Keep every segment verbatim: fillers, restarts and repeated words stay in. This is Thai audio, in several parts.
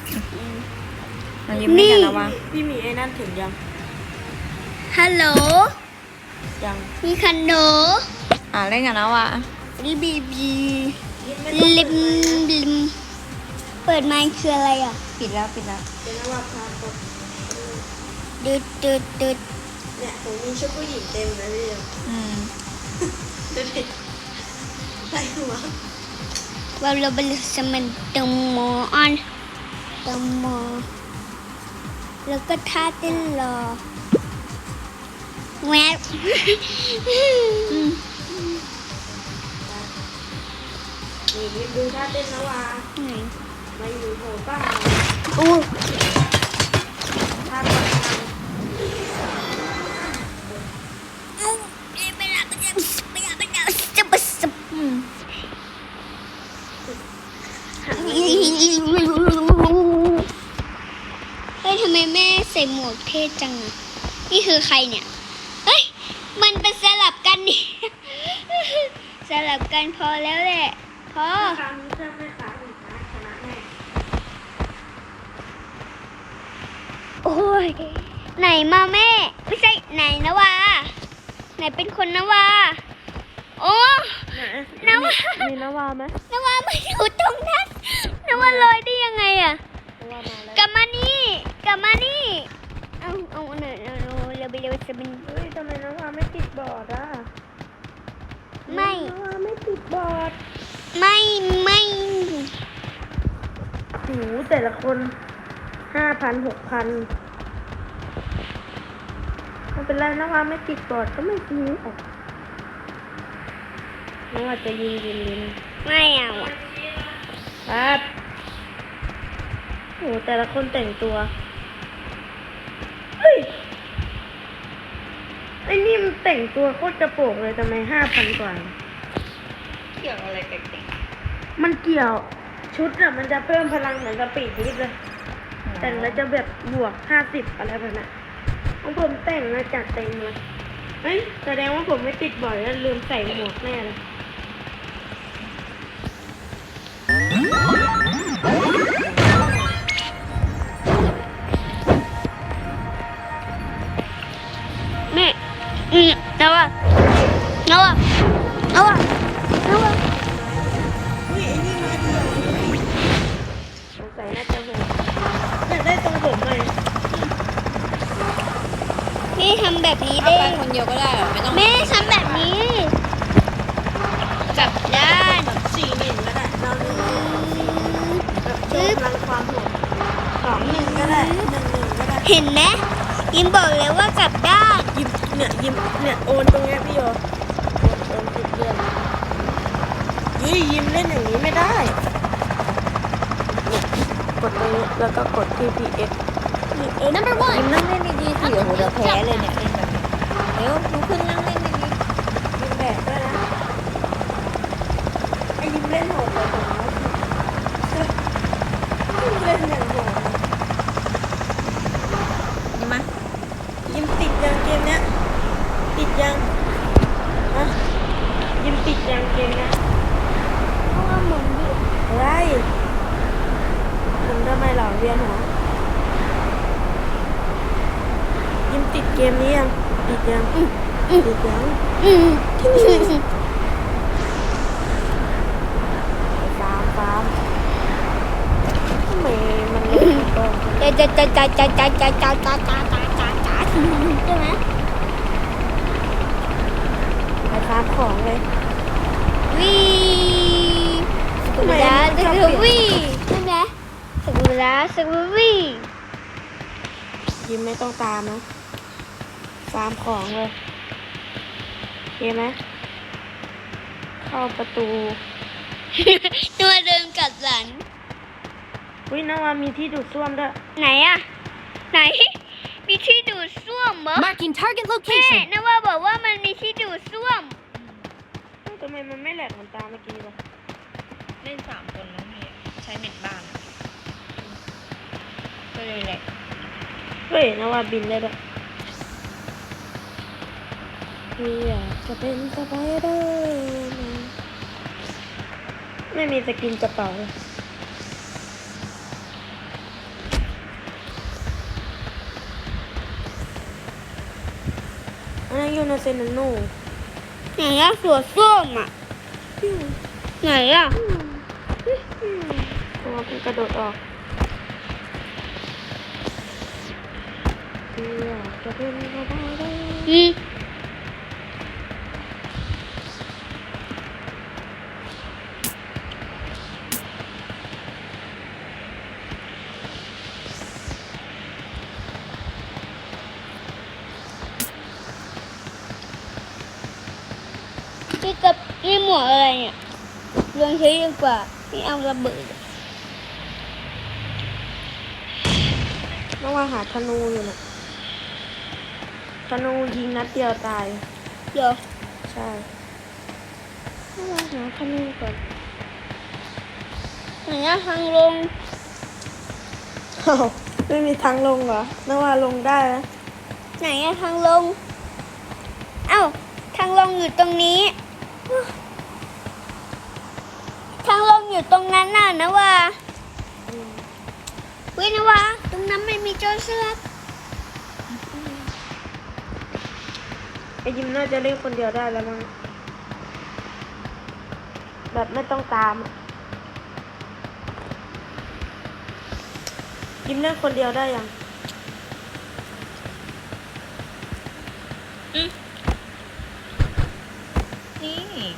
มายิ้มให้กันนะวะพี่มีไอ้นั่นถึงยังฮัลโหลยังมีคันโดอ่าเล่นกันนะวะบีบีบีลิมลิมเปิดไมค์คืออะไรอ่ะปิดแล้วปิดแล้วเป็นนว่าพาตกดึดดึดดึดเนี่ยผมมีชุดผู้หญิงเต็มเลยพี่อืมดูดิไรหัวว่าเราเป็นสมันตมโมออนตมโมแล้วก็ท่าเต้นรอแวบนี่ดูท่าเต้นนะว่าไหนมาอยู่โผล่ป้าอู้ท่าก่อนทอู้เวลาเป็นยังเวลาเป็นยังจะไปสับอืมเฮ้ยทำไมแม่ใส่หมวกเท่จังอ่ะนี่คือใครเนี่ยเฮ้ยมันเป็นสลับกันนี่ สลับกันพอแล้วแหละพอำครั้งนี้จะไม่ขาดอีกนะชนะแน่โอ้ยไหนมาแม่ไม่ใช่ไหนนะวาไหนเป็นคนนะวาโอ้ไหนนะว่ามีนวาไหมนะวามาอยู่ตรงนั้นนะวาลอยได้ยังไงอ่ะนวามาแล้วกลับมานี่กลับมานี่เอาเอาหน่อยเอาเร็วไปเร็วจะเป็นเฮ้ยทำไมนวาไม่ติดบอร์ดอ่ะไม่นวาไม่ติดบอร์ดไม่ไม่หูแต่ละคนห้าพันหกพันไม่เป็นไรนะว่าไม่ติดบอร์ดก็ไม่ยิงออกนะว่าจะยิงยิงยิงไม่เอาอ่ะครับโหแต่ละคนแต่งตัวเฮ้ยไอ้นี่มันแต่งตัวโคตรกระโปรงเลยทำไมห้าพันกว่าเกี่ยวอะไรกับเด็กมันเกี่ยวชุดอะมันจะเพิ่มพลังเหมือนสปีดลิฟต์เลย แต่งแล้วจะแบบบวกห้าสิบอะไรแบบนั้นของผมแต่งมาจัดเต็มเลยเฮ้ยแสดงว่าผมไม่ติดบ่อยแล้วลืมใส่หมวกแน่เลยแม่อืมนะวะนะวะนะวะนะวะเฮ้ยไอ้นี่มาเดียวสงสัยน่าจะเหมือนอยากได้ทรงผมใหม่นี่ทำแบบนี้เอาได้ไปคนเดียวก็ได้เหรอไม่ต้องแม่ทำแบบนี้กลับด้านสี่หนึ่งก็ได้เราหนึ่งแบบเพิ่มพลังความโหดสองหนึ่งก็ได้หนึ่งหนึ่งก็ได้เห็นไหมยิมบอกเลยว่ากลับด้านยิ้มเนี่ยยิ้มเนี่ยโอนตรงเนี้ยพี่โยโอนโอนติดเดือนเฮ้ยยิ้มเล่นอย่างนี้ไม่ได้เนี่ยกดตรงนี้แล้วก็กดที่ พี เอ็กซ์เอ้ย number ยิ้ one มนั่งเล่นดีๆสิโอ้โหเดี๋ยวแพ้เลยเนี่ยเล่นแบบนี้เร็วลุกขึ้นนั่งเล่นดียิ้มแบบด้วยนะไอ้ยิ้มเล่นโหดเลยผมว่ายิ้มเล่นอย่างโหดๆยิ้มมายิ้มติดยังเกมเนี้ยติดยังฮะยิ้มติดยังเกมเนี้ยเพราะว่าหมุนอยู่อะไรผมทำไมเหล่าเวียนหัวยิ้มติดเกมนี้ยังติดยังติดยังอืมฟาร์มฟาร์มทำไมมันเล่นกล้องจะจะจะจะจะจะจะจะจะจะจะจะจะใช่ไหมไปฟาร์มของเลยวีสกุลาสกุลวีใช่ไหมสกุลาสกุลวียิ้มไม่ต้องตามนะฟาร์มของเลยโอเคไหมเข้าประตูตัวเดินกัดหลังวินาวามีที่ดูดซ่วมด้วยไหนอะไหน มีที่ดูดซ่วมเหรอ Marking target แม่ location. นะว่าบอกว่ามันมีที่ดูดซ่วมเอ้าทำไมมันไม่แหลกเหมือนตาเมื่อกี้ล่ะเล่นสามคนน้องพี่ใช้เน็ตบ้านอะก็เลยแหละเฮ้ยนาวาบินได้ด้วยพี่อยากจะเป็นสไปเดอร์แมนไม่มีสกินกระเป๋าเลยอันนั้นอยู่ในเซนโนไหนอะสวนส้มอะไหนอะตัวมันกระโดดออกอยากจะเป็นก็ได้เลยอืมนี่กับนี่หมวกอะไรเนี่ยลองใช้ดีกว่านี่เอาระเบิดต้องว่าหาธนูอยู่น่ะธนูยิงนัดเดียวตายเดี๋ยวใช่ต้องว่าหาธนูก่อนไหนอะทางลงอ้าวไม่มีทางลงเหรอนึกว่าลงได้นะไหนอะทางลง เอ้าทางลงอยู่ตรงนี้ ทางลงอยู่ตรงนั้นน่ะนะว่าอืมเว้ยนะว่าตรงนั้นไม่มีโจรสลัดไอ้ยิมน่าจะเล่นคนเดียวได้แล้วมั้งแบบไม่ต้องตามอะยิมเล่นคนเดียวได้ยังนี่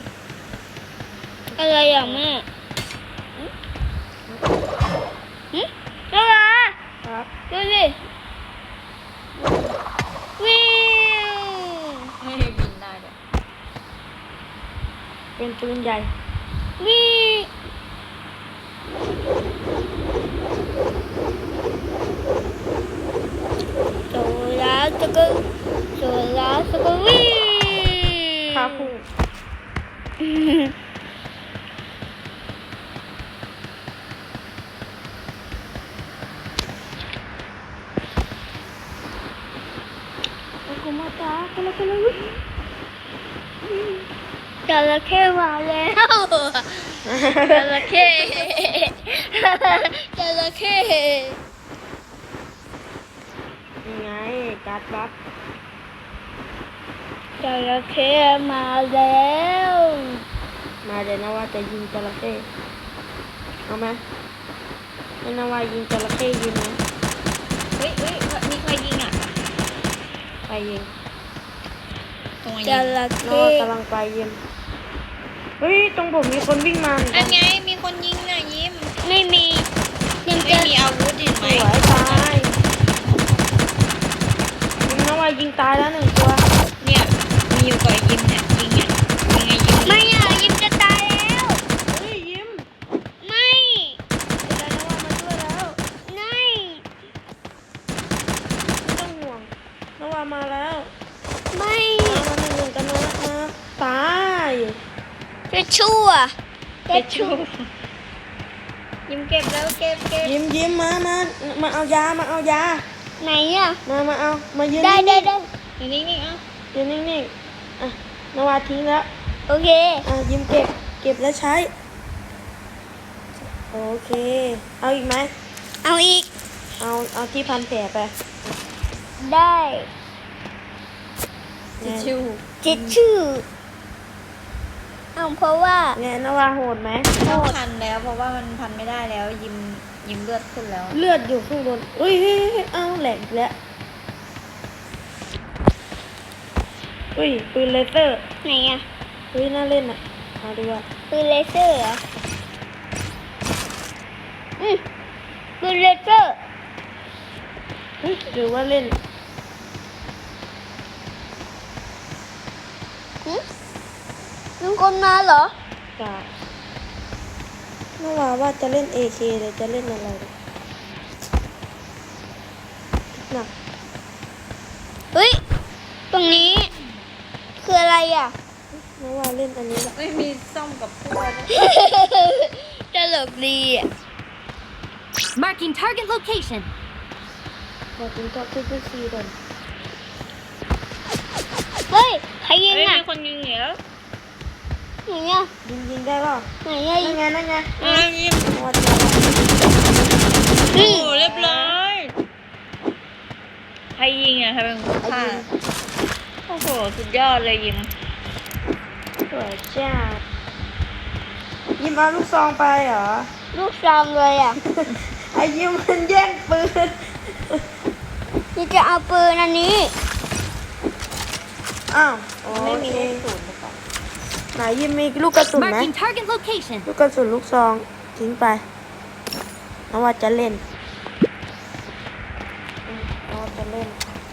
อะไรอ่ะแม่หึหึนะว่าครับดูสิวิวให้บินได้ด้วยเป็นปืนใหญ่วิโซลาสกุลโซลาสกุลวิข้าพุ่งโอ้โหมาจ้าคนละคนละวิจระเข้มาแล้วจระเข้จระเข้ยังไงการ์ดบัฟจระเข้มาแล้วมาเดี๋ยวนะว่าจะยิงจระเข้เอาไหมให้นาวายิงจระเข้ยิงไหมเฮ้ยเฮ้ยมีใครยิงอ่ะไปยิงตรงไหนจยิงระนาวาเข้กำลังไปยิงเฮ้ยตรงผมมีคนวิ่งมาเหมือนอักัน นไงมีคนยิงน่ะยิ้มไม่มียังไม่จะมีอาวุธเห็นไหสมวยตายยิงนาวายิงตายแล้วหนึ่งตัวเนี่ยมีอยู่กับยิ้มเนี่ยยิงเนี่ยยิงไงยิงไม่อ่ะยิมจะตายแล้วเฮ้ยยิ้มไม่เดี๋ยวนาวามาช่วยแล้วไม่ไม่ต้องห่วงนาวามาแล้วไม่มามาหนึ่งกันนะนะตายจะชั่วจะชั่วยิ้มเก็บแล้วเก็บเก็บยิ้มยิ้มมามามาเอายามาเอายาไหนอ่ะมามาเอามายืนได้ได้นิ่งได้อยู่นิ่งๆเอ้าๆยืนนิ่งๆอ่ะนาวาทิ้งแล้วโอเคอ่ะยิ้มเก็บเก็บแล้วใช้โอเคเอาอีกไหมเอาอีกเอาเอาที่พันแผลไปได้ทิชชู่จิตชื่อเอาเพราะว่าเนี่ยนาวาโหดไหมต้องพันแล้วเพราะว่ามันพันไม่ได้แล้วยิ้มยิ้มเลือดขึ้นแล้วเลือดอยู่ข้างบนอุ้ยเฮ้ยเฮ้ยเอาแหลกอีกแล้วอุ้ยปืนเลเซอร์ไหนอ่ะอุ้ยน่าเล่นอ่ะเอาดูว่าปืนเลเซอร์เหรออืมปืนเลเซอร์เฮ้ยหรือว่าเล่นหึลุงคนมาเหรอกาเมื่อวานว่าจะเล่น เอ เค เลยจะเล่นอะไรดีหนักเฮ้ย ตรงนี้ คืออะไรอ่ะเมื่อวานเล่นอันนี้แหละไม่มีซ่อมกับพวกตลกดีอ่ะ Marking target location. อยากกินก็คือคือซีก่อนเฮ้ย ใครยิงเฮ้ยอ่ะมีคนยิงเหรอไหนอ่ะยิงยิงได้เปล่าไหนอ่ะนั่นไงนั่นไงอ่ะยิ้มเมื่อวานเจอแล้วโอ้เรียบร้อยใครยิงอ่ะใครเป็นคนฆ่าไโอ้โหสุดยอดเลยยิมสวยจ้ายิมเอาลูกซองไปเหรอลูกซองเลยอ่ะไอ้ยิมมันแย่งปืนนี่จะเอาปืนอันนี้อ้าวโอไม่มีเคเลขศูนย์หรือเปล่าไหนยิมมีลูกกระสุนไหม Marking target location. ลูกกระสุนลูกซองทิ้งไปน้องว่าจะเล่นอืมน้องว่าจะเล่น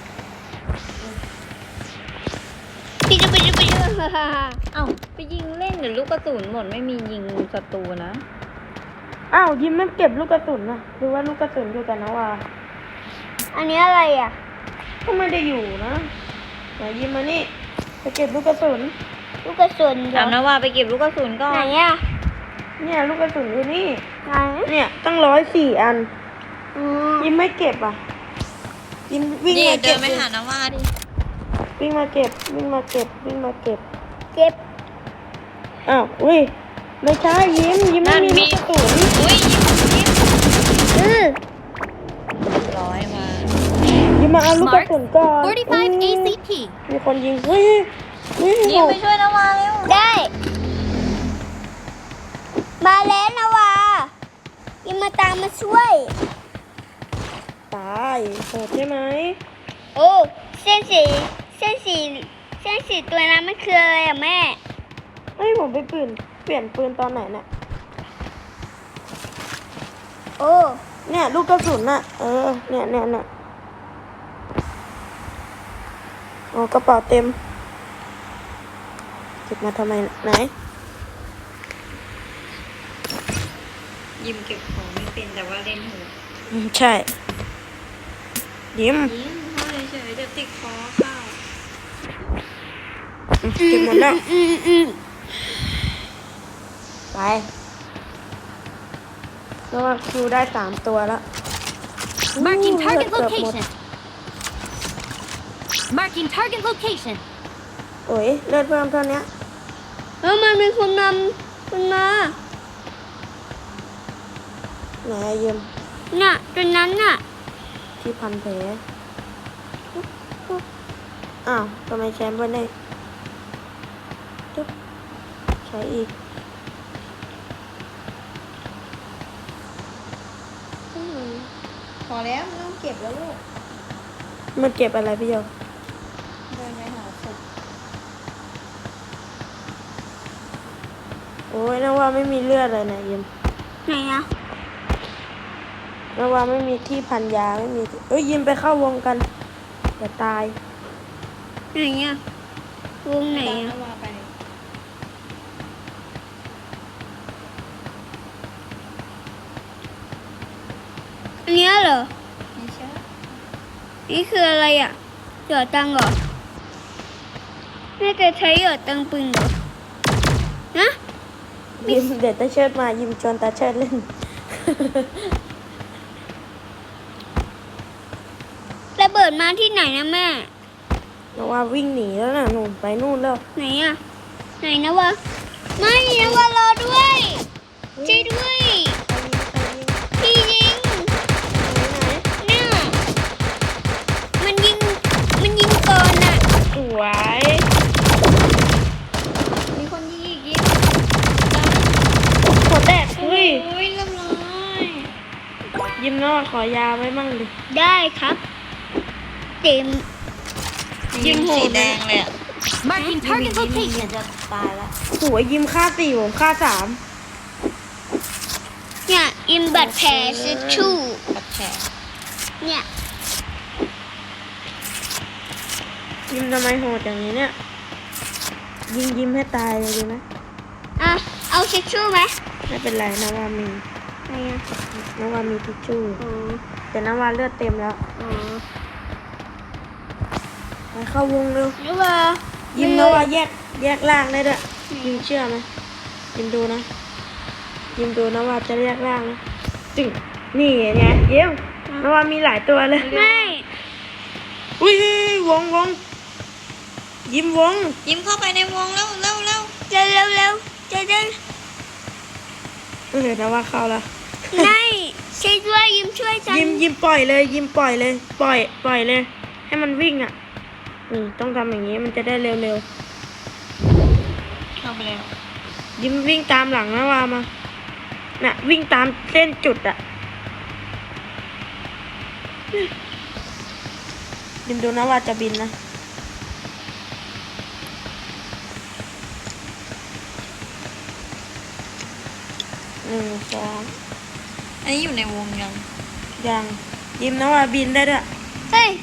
ปิดปิดปิดเอ้าไปยิงเล่นเดี๋ยวลูกกระสุนหมดไม่มียิงศัตรูนะอ้าวยิมไม่เก็บลูกกระสุนนะหรือว่าลูกกระสุนอยู่กับน้องว่าอันนี้อะไรอ่ะก็ไม่ได้อยู่นะไหนยิมมานี่ไปเก็บลูกกระสุนลูกกระสุนเหรถาอมนะว่าไปเก็บลูกกระสุนก่อไหนนอ่ะเนี่ยลูกกระสุนอยู่นี่ไหนเนี่ยตั้งร้อยสี่อันอืมยิมไม่เก็บอ่ะยิมวิ่งนี่มาเดิเก็นบไปหานะว่าดิวิ่งมาเก็บวิ่งมาเก็บวิ่งมาเก็บเก็บอ้าวอุ้ยไม่ใช่ยิ้มยิ้มไม่มีลูกกระสุนอุ้ยยิมยิมอือร้อยมายิ้มมาเอาลูกกระสุนก่อน forty-five อืม A C P. มีคนยิงเฮ้ยเฮ้ยยิมไปช่วยนะว่าเร็วได้ มาแล้วนะวายังมาตามมาช่วยตายโหดใช่ไหมโอ้เส้นสีเส้นสีเส้นสีตัวนั้นมันคืออะไรอ่ะแม่เฮ้ยผมไปปืนเปลี่ยนปืนตอนไหนเนี่ยโอ้เนี่ยลูกกระสุนน่ะเออเนี่ยเนี่ยเนี่ยโอ้กระเป๋าเต็มเก็บมาทำไมไหนยิมเก็บของไม่เป็นแต่ว่าเล่นหูอืมใช่ยิ้มยิมพ่อเฉยๆเดี๋ยวติดคอเข้าอืมเก็บหมดแล้วอืมอืมไปแล้วว่าคิวได้สามตัวแล้ว Marking อู้ target เกือบหมด location. Marking target location. โอ้ยเลือดเพิ่มเท่านี้แล้วมันมีคนนำคนมาไหนอะยิ้มน่ะตัวนั้นน่ะที่พันแผลอ้าวทำไมแชมป์ไม่ได้จุ๊บใช้อีกพอแล้วไม่ต้องเก็บแล้วลูกมันเก็บอะไรพี่โยเดินไปหาศพโอ้ยนะว่าไม่มีเลือดเลยนะยิ้มไหนอ่ะนะว่าไม่มีที่พันยาไม่มีเอ้ยยิ้มไปเข้าวงกันอย่าตายไหนอ่ะวงไหนตามอ่ะนะว่าไปอันเนี้ยเหรอไม่ใช่นี่คืออะไรอ่ะหยอดตังค์เหรอน่าจะใช้หยอดตังค์ปืนเหรอนะยิ้มเดี๋ยวตาเชิดมายิ้มชวนตาเชิดเล่นระเบิดมาที่ไหนนะแม่นะว่าวิ่งหนีแล้วนะหนุ่มไปนู่นแล้วไหนอ่ะ ไหนนะวะ ไม่นะวะรอด้วยช่วยด้วย พี่ยิงเนี่ยมันยิง มันยิงก่อนอ่ะสวยมีคนยิงอีกยิงหัวแตกเฮ้ยโอ้ยเรียบร้อยยิ้มนะว่าขอยาไว้มั่งดิได้ครับเต็มยิงโหดสีแดงเลยอ่ะ Marking target ยิง location. จะตายแล้วโหัวยิ้มค่าสี่ผมค่าสามเนี่ยอิมบัตรแผลซิชชู่ปัดแผลเนี่ยยิ้มทำไมโหดอย่างนี้เนี่ย ยิงยิ้มให้ตายเลยดีไหมอ่ะ เอาซิชชู่ไหมไม่เป็นไรนะว่ามีไหนอ่ะนะว่ามีทิชชู่อ๋อแต่นะว่าเลือดเต็มแล้วอ๋อไปเข้าวงเร็วหรือว่ายิ้มนะว่าแยกแยกล่างได้ด้วยยิ้มเชื่อไหมยิ้มดูนะ ยิ้มดูนะว่าจะแยกล่างนะจึงนี่ไงยิ้มนะว่ามีหลายตัวเลยไม่อุ้ยวงวงยิ้มวงยิ้มเข้าไปในวงแล้วเร็วเร็วเร็วเร็วเร็วจะได้เออนะว่าเข้าแล้วไม่ช่วยด้วยยิ้มช่วยฉันยิ้มยิ้มปล่อยเลย ยิ้มปล่อยเลย ปล่อยปล่อยเลย ให้มันวิ่งอ่ะนี่ต้องทำอย่างนี้มันจะได้เร็วเข้าไปแล้วๆยิ้มวิ่งตามหลังนะวามาน่ะวิ่งตามเส้นจุดอะยิ้มดูนะว่าจะบินนะหนึ่งสองอันนี้อยู่ในวงยังยังยิ้มนะว่าบินได้ด้วยเฮ้ย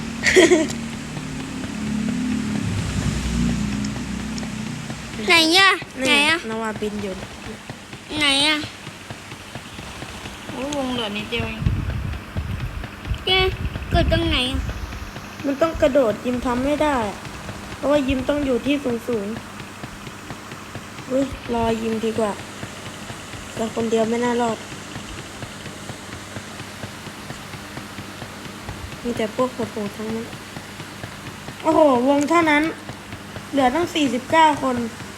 ไหนอะไหนนี่อะนะว่าบินอยู่ไหนอะโอ้ยวงเหลือนิดเดียวเองแกเกิดตรงไหนอะมันต้องกระโดดยิ้มทำไม่ได้อะเพราะว่ายิ้มต้องอยู่ที่สูงสูงๆอุ้ยรอยิ้มดีกว่าเราคนเดียวไม่น่ารอดมีแต่พวกโหดๆทั้งนั้นโอ้โหวงเท่านั้น เหลือตั้งสี่สิบเก้าคน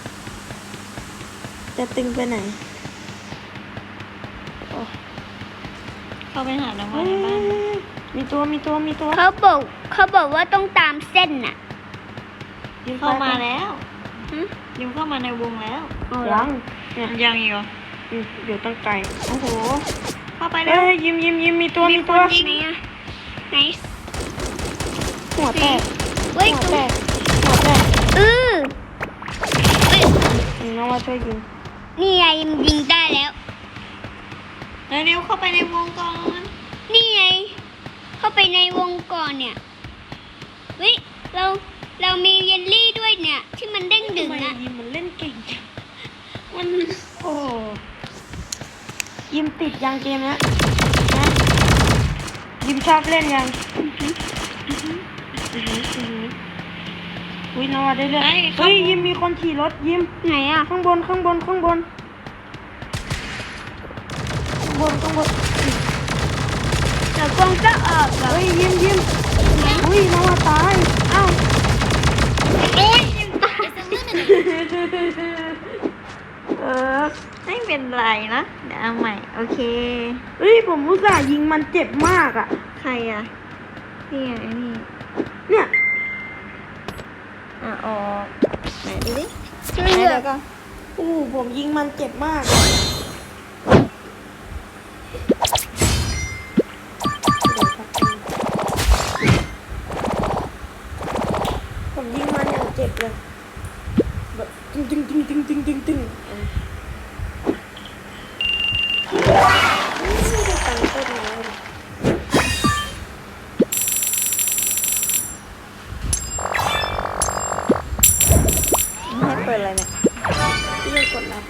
จะตึงไปไหนโอ้เข้าไปหาน้ำมันในบ้านมีตัวมีตัวมีตัวเขาบอกเขาบอกว่าต้องตามเส้นน่ะยิ้มเข้ามาไปแล้วหึยิมเข้ามาในวงแล้วเอาเหรยัองเนี่ยยังอีกเหรออืมอยู่ตั้งไกลโอ้โห เข้าไปเอ้แล้วยยิ้มยิ้มยิ้มมีตัวมีตัวไหนอะไหนหัวแตกเว้ยหัวตรงแตกหัวแตกเออเอ้ยอืมน้องว่าช่วยยิงนี่ไงยิงได้แล้วเร็วๆเข้าไปในวงก่อนนี่ไง เข้าไปในวงก่อนเนี่ยเฮ้ยเราเรามีเยลลี่ด้วยเนี่ย ที่มันเด้งดึงทำไมอะยิมมันเล่นเก่งจังมันโอ้โหยิมติดยังเกมเนี้ยนะยิมชอบเล่นยังอื้อหืออื้อหืออื้อหืออุ้ยน้องว่าได้เล่นเฮ้ยยิมมีคนขี่รถยิมไหนอะข้างบนข้างบนข้างบนข้างบนข้างบนเดี๋ยวกล้องจะออกเหรอเฮ้ยยิ้มยิ้มอุ้ยน้องว่าตายอ้าวโอ้ยเออไม่เป็นไรนะ เดี๋ยวเอาใหม่ โอเคเฮ้ยผมอุตส่าห์ยิงมันเจ็บมากอ่ะใครอ่ะ นี่ไงนี่เนี่ยอ่ะออกไหนดูดิเลืไหนอเดี๋ยดวก่อนอู้ผมยิงมันเจ็บมากผมยิงมันอย่างเจ็บเลยแบบตึงตึงตึงตึงตึงตึงตึงไม่ได้ตังค์โคตรน้อยเลยให้เปิดอะไรเนี่ยพี่ยังกดรับไป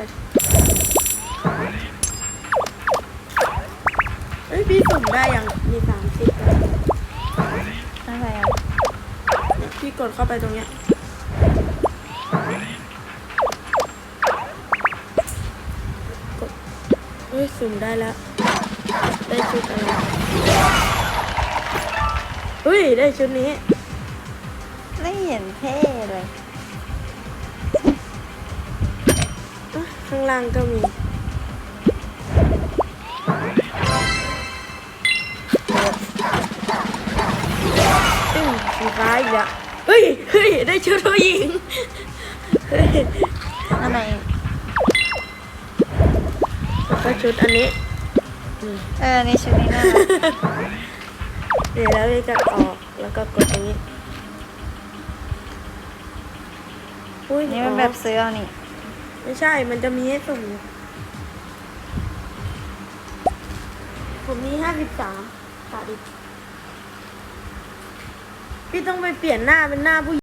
เอ้ยพี่สุ่มได้ยังมีสามสิบแล้วอะไรอ่ะเนี่ยพี่กดเข้าไปตรงเนี้ยกดเอ้ยสุ่มได้แล้ว ได้ชุดอะไรเฮ้ยได้ชุดนี้ไม่เห็นเท่เลยอ่ะข้างล่างก็มีตึ้งสีฟ้าอีกแล้วเฮ้ยเฮ้ยได้ชุดผู้หญิงเฮ้ยทำไมแล้วก็ชุดอันนี้เออในชุดนี้น่ารักเดี๋ยวแล้วจะออกแล้วก็กดตรงนี้อุ้ยนี่มันแบบซื้อเอานี่ไม่ใช่ มันจะมีให้สุ่มอยู่ผมมีห้าสิบสามขาดอีกพี่ต้องไปเปลี่ยนหน้าเป็นหน้าผู้หญิง